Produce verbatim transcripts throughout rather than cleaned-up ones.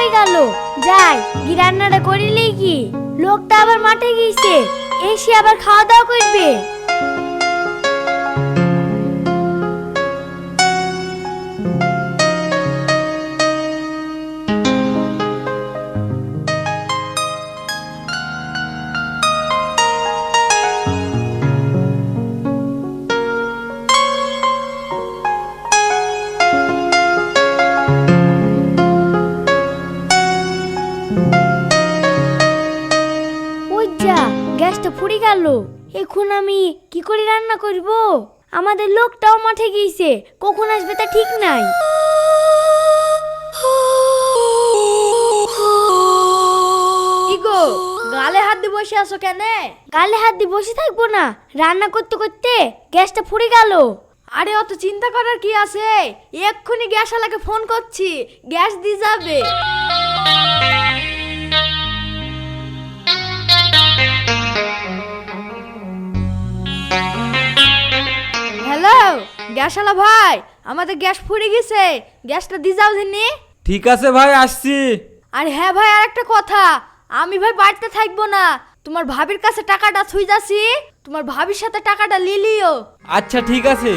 হয়ে গেল, যাই গি রান্নাটা করিলেই কি। লোকটা আবার মাঠে গিয়েছে, এসে আবার খাওয়া দাওয়া করবে। গ্যাসটা ফুরিয়ে গেল, এখন আমি কি করে রান্না করব? আমাদের লোকটাও মাঠে গিয়েছে, কখন আসবে তা ঠিক নাই। কি গো, গালে হাত দিয়ে বসে আছো কেন? গালে হাত দিয়ে বসে থাকবো না, রান্না করতে করতে গ্যাসটা ফুরিয়ে গেল। আরে অত চিন্তা করার কি আছে, এক্ষুনি গ্যাসওয়ালাকে ফোন করছি, গ্যাস দিয়ে যাবে। হ্যালো গ্যাসওয়ালা ভাই, আমাদের গ্যাস ফুরিয়ে গেছে, গ্যাসটা দিয়ে যাও দিনি। ঠিক আছে ভাই, আসছি। আর হ্যাঁ ভাই, আর একটা কথা, আমি ভাই বাড়িতে থাকবো না, তোমার ভাবির কাছে টাকাটা থুই যাচ্ছি, তোমার ভাবির সাথে টাকাটা লিলিও। আচ্ছা ঠিক আছে।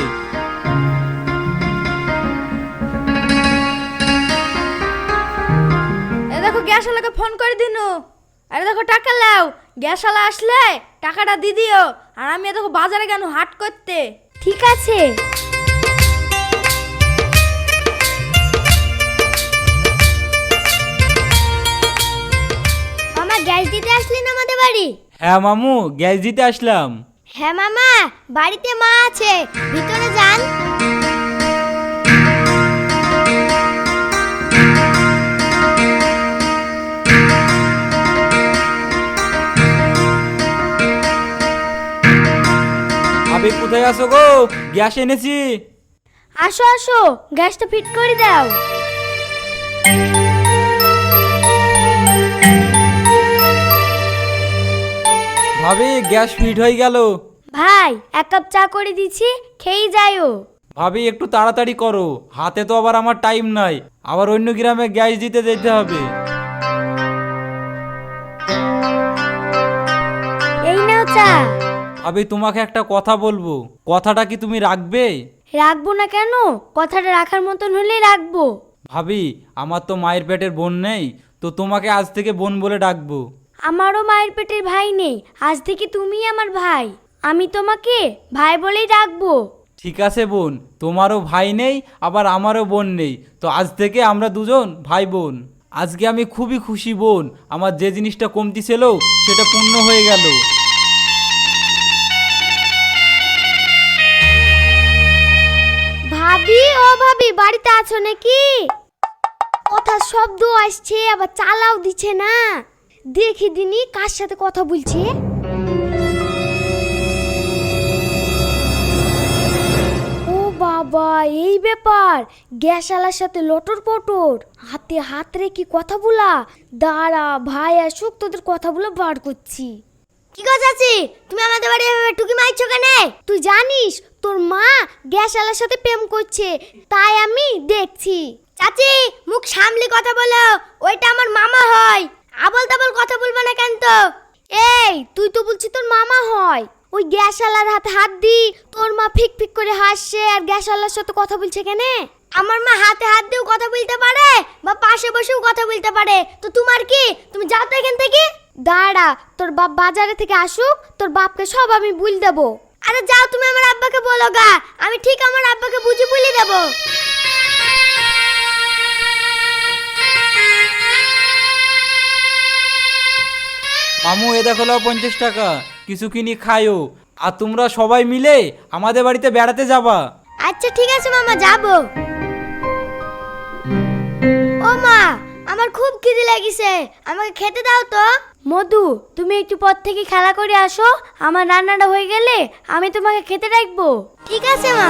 এ দেখো গ্যাসওয়ালাকে ফোন করে দিনু। আরে দেখো টাকা লাও, গ্যাসওয়ালা আসলে টাকাটা দিয়ে দিও। আর আমি দেখো বাজারে গেল হাট করতে। ঠিক আছে। মামা গ্যাস দিতে আসলেন আমাদের বাড়ি? হ্যাঁ মামু, গ্যাস দিতে আসলাম। হ্যাঁ মামা, বাড়িতে মা আছে, ভিতরে যান। আবে কোথায় আছো গো? গ্যাস এনেছি। আসো আসো, গ্যাসটা ফিট করে দাও। ভাবি গ্যাস ফিট হয়ে গেল। ভাই এক কাপ চা করে দিছি, খেয়ে যাইও। ভাবি একটু তাড়াতাড়ি করো, হাতে তো আবার আমার টাইম নাই, আবার অন্য গ্রামে গ্যাস দিতে যেতে হবে। এই নাও চা। ভাবি তোমাকে একটা কথা বলবো, কথাটা কি তুমি রাখবে? রাখবো না কেন, কথাটা রাখার মতন হলেই রাখবো। ভাবি আমার তো মায়ের পেটের বোন নেই, তো তোমাকে আজ থেকে বোন বলে ডাকবো। আমারও মায়ের পেটের ভাই নেই, আজ থেকে তুমিই আমার ভাই, আমি তোমাকে ভাই বলেই ডাকবো। ঠিক আছে বোন, তোমারও ভাই নেই আবার আমারও বোন নেই, তো আজ থেকে আমরা দুজন ভাই বোন। আজকে আমি খুবই খুশি বোন, আমার যে জিনিসটা কমতি ছিল সেটা পূর্ণ হয়ে গেল। ভাবি ও ভাবি, বাড়িতে আছো নাকি? কথার শব্দ আসছে, আবার চালাও দিচ্ছে না। দেখি দিনি কার সাথে কথা বলছে। ও বাবা, এই ব্যাপার, গ্যাসওয়ালার সাথে লটর পটর, হাতে হাত রেখে কথা বলা। দাঁড়া, ভাই আসুক, তোদের কথা বলে বার করছি। কি কথা আছে? তুমি আমাদের বাড়ি এভাবে টুকি মারছো কেন? তুই জানিস তোর মা গ্যাসওয়ালার সাথে প্রেম করছে, তাই আমি দেখছি। চাচি মুখ সামলে কথা বলো, ওইটা আমার মামা হয়, আবল তাবল কথা বলবে না কেন তো? এই তুই তো বলছিস তোর মামা হয়, ওই গ্যাসওয়ালার হাতে হাত দি তোর মা ফিক ফিক করে হাসছে আর গ্যাসওয়ালার সাথে কথা বলছে কেন? আমার মা হাতে হাত দিয়েও কথা বলতে পারে, বা পাশে বসেও কথা বলতে পারে, তো তোমার কি? তুমি যাও তো এখান থেকে। দাঁড়া, তোর বাপ বাজারে থেকে আসুক, তোর বাপকে সব আমি বুঝ দেবো। আরে যাও, তুমি আমার আব্বাকে বলো গা, আমি ঠিক আমার আব্বাকে বুঝি বলে দেবো। মামু এ দেখো লাও পঞ্চাশ টাকা, কিছু কিনি খায়ও, আর তোমরা সবাই মিলে আমাদের বাড়িতে বেড়াতে যাবা। আচ্ছা ঠিক আছে মামা, যাবো। ও মা, আমার খুব খিদে লাগিছে, আমাকে খেতে দাও তো। মধু, তুমি একটু পর থেকে খেলা করে আসো, আমার রান্নাটা হয়ে গেলে আমি তোমাকে খেতে রাখবো। ঠিক আছে মা।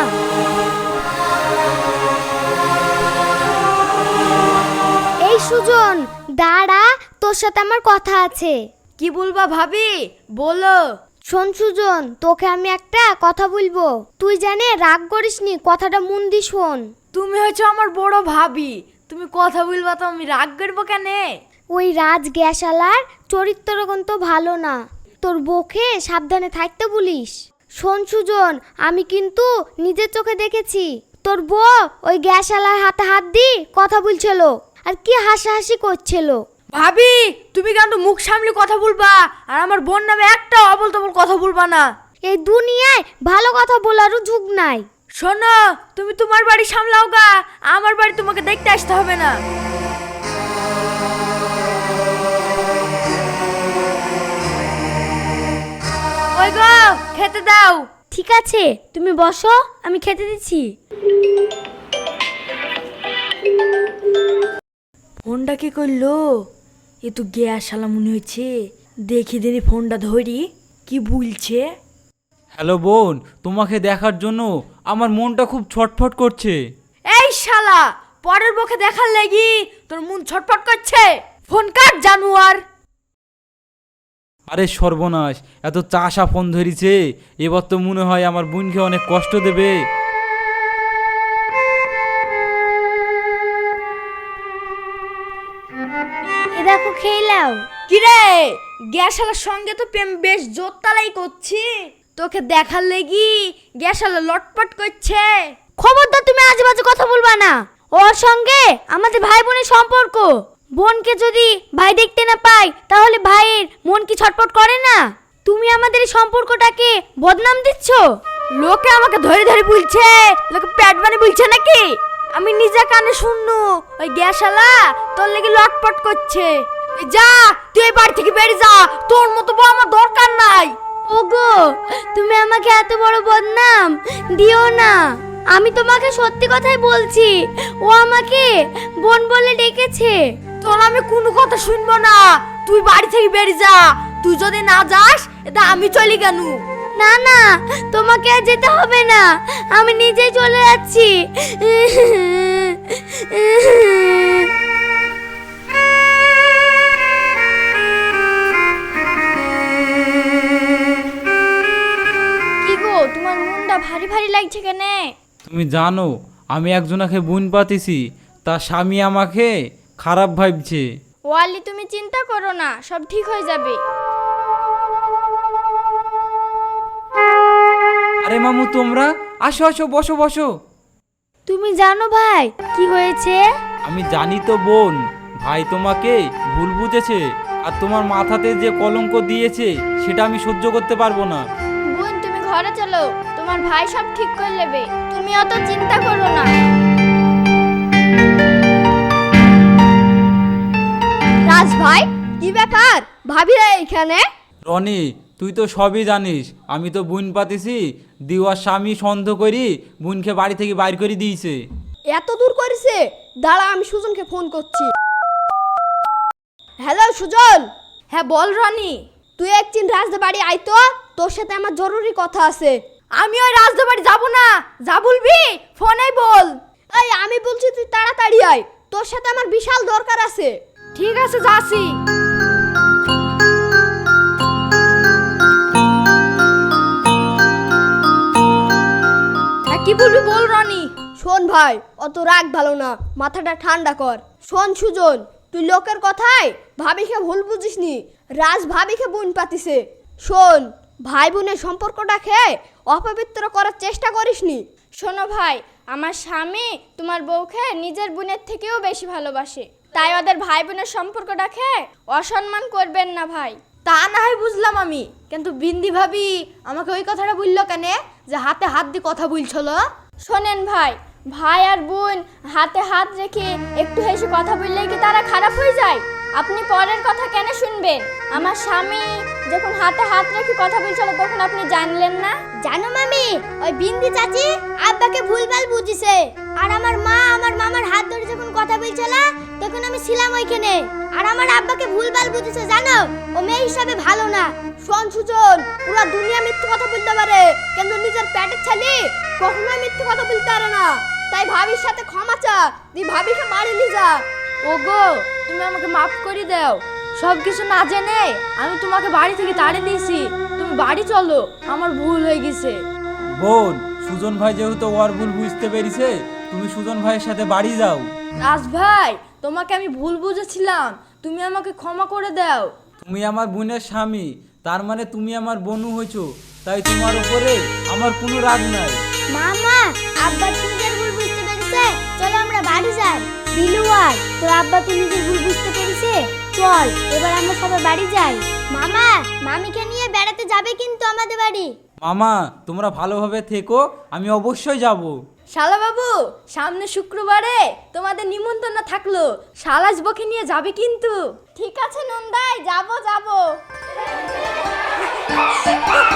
এই সুজন, দাঁড়া, তোর সাথে আমার কথা আছে। কি বলবা ভাবি, বলো। শোন সুজন, তোকে আমি একটা কথা বলবো, তুই জানে রাগ করিসনি, কথাটা মন দিয়ে শোন। তুমি হচ্ছে আমার বড় ভাবি, তুমি কথা বলবা তো আমি রাগ করবো কেন? ওই রাজ গ্যাসালার চরিত্র কিন্তু ভালো না, তোর বউকে সাবধানে থাকতে বলিস। শোন সুজন, আমি কিন্তু নিজের চোখে দেখেছি তোর বউ ওই গ্যাসালার হাতে হাত দিয়ে কথা বলছিল আর কি হাসাহাসি করছিল। ভাবি তুমি কিন্তু মুখ সামলে কথা বলবা, আর আমার বোন নামে একটা অবল তবল কথা বলবা না। এই দুনিয়ায় ভালো কথা বলারও যুগ নাই। শোনো, তুমি তোমার বাড়ি সামলাও গা, আমার বাড়ি তোমাকে দেখতে আসতে হবে না। ওই গো, খেতে দাও। ঠিক আছে, তুমি বসো, আমি খেতে দিচ্ছি। ফোনটা কি করলো? এ তো গ্যাস শালা মনে হচ্ছে। দেখি দিনি ফোনটা ধরি, কি বলছে। হ্যালো বোন, তোমাকে দেখার জন্য আমার মনটা খুব ছটফট করছে। এই শালা, পরের বকে দেখার লাগি তোর মন ছটফট করছে? ফোন কাট জানুয়ার। আরে সর্বনাশ, এত চাষা ফোন ধরিছে, এবার তো মনে হয় আমার বোনকে অনেক কষ্ট দেবে। এ দেখো, খেয়ে নাও। কিরে, গ্যাসালার সঙ্গে তো প্রেম বেশ জোরতালাই করছি, তোকে দেখার লাগি গ্যাসালা লটপট করছে। খবরদার তুমি আজেবাজে কথা বলবা না। ওর সঙ্গে আমাদের ভাই বোনের সম্পর্ক। বোনকে যদি ভাই দেখতে না পাই তাহলে ভাইয়ের মন কি ছটফট করে না? তুমি আমাদের এই সম্পর্কটাকে বদনাম দিচ্ছ। লোকে আমাকে ধরে ধরে বলছে, লোকে প্যাট বানি বলছে নাকি? আমি নিজে কানে শুননু ওই গ্যাসালা তোর লাগি লটপট করছে। এই যা, তুই এই বাড়ি থেকে বেরিয়ে যা, তোর মতো বউ আমার দরকার নাই। ওগো, তুমি আমাকে এত বড় বদনাম দিও না। আমি তোমাকে সত্যি কথাই বলছি, ও আমাকে বোন বলে ডেকেছে। তোর আমি কোনো কথা শুনবো না, তুই বাড়ি থেকে বেরিয়ে যা। তুই যদি না যাস এটা আমি চলি কেন? না না, তোমাকে আর যেতে হবে না, আমি নিজেই চলে যাচ্ছি। কি গো, তোমার মনটা ভারী ভারী লাগছে কেন? তুমি জানো আমি একজনাকে বোন পাতিছি, তার স্বামী আমাকে খারাপ ভাবছে। ওয়ালি, তুমি চিন্তা করো না, সব ঠিক হয়ে যাবে। আরে মামু, তোমরা আসো আসো, বসো বসো। তুমি জানো ভাই কি হয়েছে? আমি জানি তো বোন, ভাই তোমাকে ভুল বুঝেছে, আর তোমার মাথাতে যে কলঙ্ক দিয়েছে সেটা আমি সহ্য করতে পারবো না। বোন, তুমি ঘরে চলো, তোমার ভাই সব ঠিক করে নেবে, তুমি অত চিন্তা করো না। রাজ ভাই, কি ব্যাপার? ভাবিরা এখানে? রনি, তুই তো সবই জানিস, আমি তো বোন পাতিছি, দিওয়ার স্বামী সন্দেহ করি বোনকে বাড়ি থেকে বাইর করে দিয়েছে। এত দূর করেছে? দাঁড়া, আমি সুজনকে ফোন করছি। হ্যালো সুজন। হ্যাঁ বল রনি। তুই একদিন রাজদা বাড়ি আয় তো, তোর সাথে আমার জরুরি কথা আছে। আমি ওই রাজদা বাড়ি যাবো না, যা বলবি ফোনে বল। এই আমি বলছি তুই তাড়াতাড়ি আয়, তোর সাথে আমার বিশাল দরকার আছে। ঠিক আছে, যাচ্ছি। কি বলবি বল রনি। শোন ভাই, অত রাগ ভালো না, মাথাটা ঠান্ডা কর। শোন সুজন, তুই লোকের কথায় ভাবিকে ভুল বুঝিসনি, রাজ ভাবিকে বোন পাতিছে। শোন, ভাই বোনের সম্পর্কটাকে অপবিত্র করার চেষ্টা করিসনি। শোনো ভাই, আমার স্বামী তোমার বউকে নিজের বোনের থেকেও বেশি ভালোবাসে, তাই ওদের ভাই বোনের সম্পর্কটাকে অসম্মান করবেন না ভাই। তা না হয় বুঝলাম আমি, কিন্তু বিন্দি ভাবি আমাকে ওই কথাটা বললো কেন যে হাতে হাত দিয়ে কথা বলছিল? শোনেন ভাই, ভাই আর বোন হাতে হাত রেখে একটু হেসে কথা বললেই কি তারা খারাপ হয়ে যায়? আপনি পরের কথা কেন শুনবেন? আমার স্বামী যখন হাতে হাত রেখে কথা বলছিল তখন আপনি জানলেন না? জানো মামি, ওই বিন্দি চাচি আব্বাকে ভুলভাল বুঝিছে, আর আমার মা আমার মামার হাত ধরে যখন কথা বলছিল তখন আমি ছিলাম ওইখানে, আর আমার আব্বাকে ভুলভাল বুঝিছে। জানো, ও মেয়ে হিসাবে ভালো না। শোন সুজন, পুরো দুনিয়া মিথ্যে কথা বলতে পারে, কিন্তু নিজের পেটের ছেলে কখনোই মিথ্যে কথা বলতে পারে না। তাই ভাবির সাথে ক্ষমা চা, তুই ভাবিকে বাড়ি নিয়ে যা। ওগো, তুমি আমাকে মাফ করে দাও, সব কিছু না জেনে আমি তোমাকে বাড়ি থেকে তাড়িয়ে দিয়েছি। তুমি বাড়ি চলো, আমার ভুল হয়ে গেছে। বোন, সুজন ভাই যেহেতু ওর ভুল বুঝতে পেরেছে, তুমি সুজন ভাইয়ের সাথে বাড়ি যাও। রাজ ভাই, তোমাকে আমি ভুল বুঝেছিলাম, তুমি আমাকে ক্ষমা করে দাও। তুমি আমার বোনের স্বামী, তার মানে তুমি আমার বোনু হয়েছো, তাই তোমার উপরে আমার কোনো রাগ নাই। মামা, আব্বা তো নিজের ভুল বুঝতে পেরেছে, চলো আমরা বাড়ি যাই। দিলুয়ার, তোর আব্বা তো নিজের ভুল বুঝতে পেরেছে, চল এবার আমরা সবাই বাড়ি যাই। মামা, মামিকে নিয়ে বেড়াতে যাবে কিন্তু আমাদের বাড়ি। মামা, তোমরা ভালোভাবে থেকো, আমি অবশ্যই যাব। শালা বাবু, সামনে শুক্রবারে তোমাদের নিমন্ত্রণ থাকলো, শালাস বকে নিয়ে যাবে কিন্তু। ঠিক আছে নন্দাই, যাবো যাবো।